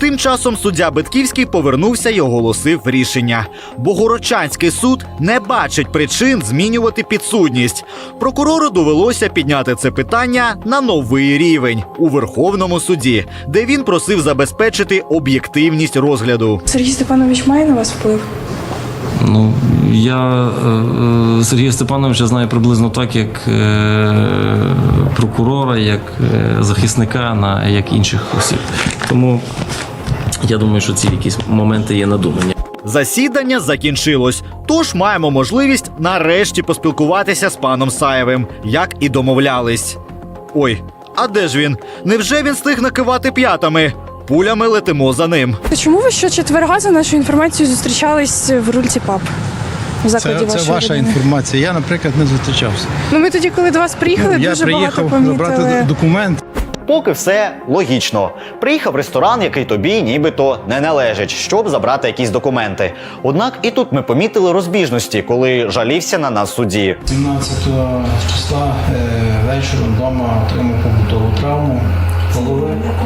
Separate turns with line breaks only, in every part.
Тим часом суддя Битківський повернувся і оголосив рішення. Богородчанський суд не бачить причин змінювати підсудність. Прокурору довелося підняти це питання на новий рівень – у Верховному суді, де він просив забезпечити об'єктивність розгляду.
Сергій Степанович має на вас вплив?
Ну, я Сергія Степановича знаю приблизно так, як прокурора, як захисника, як інших осіб. Тому я думаю, що ці якісь моменти є надумані.
Засідання закінчилось, тож маємо можливість нарешті поспілкуватися з паном Саєвим, як і домовлялись. Ой, а де ж він? Невже він встиг накивати п'ятами? Пулями летимо за ним.
Чому ви щочетверга, за нашу інформацію, зустрічались в рульці ПАП? В закладі
Це
вашої
ваша
родини?
інформація. Я, наприклад, не зустрічався.
Ну, ми тоді, коли до вас приїхали,
Я
дуже багато
приїхав
помітили.
забрати документ.
Поки все логічно. Приїхав в ресторан, який тобі нібито не належить, щоб забрати якісь документи. Однак і тут ми помітили розбіжності, коли жалівся на нас судді.
17 числа вечором вдома отримав побутову травму голови.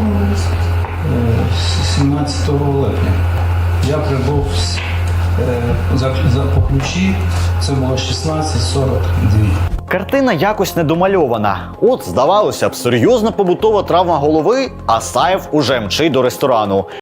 17 липня. Я прибув по ключі, це було 16:42.
Картина якось недомальована. От, здавалося б, серйозна побутова травма голови, а Саєв уже мчить до ресторану.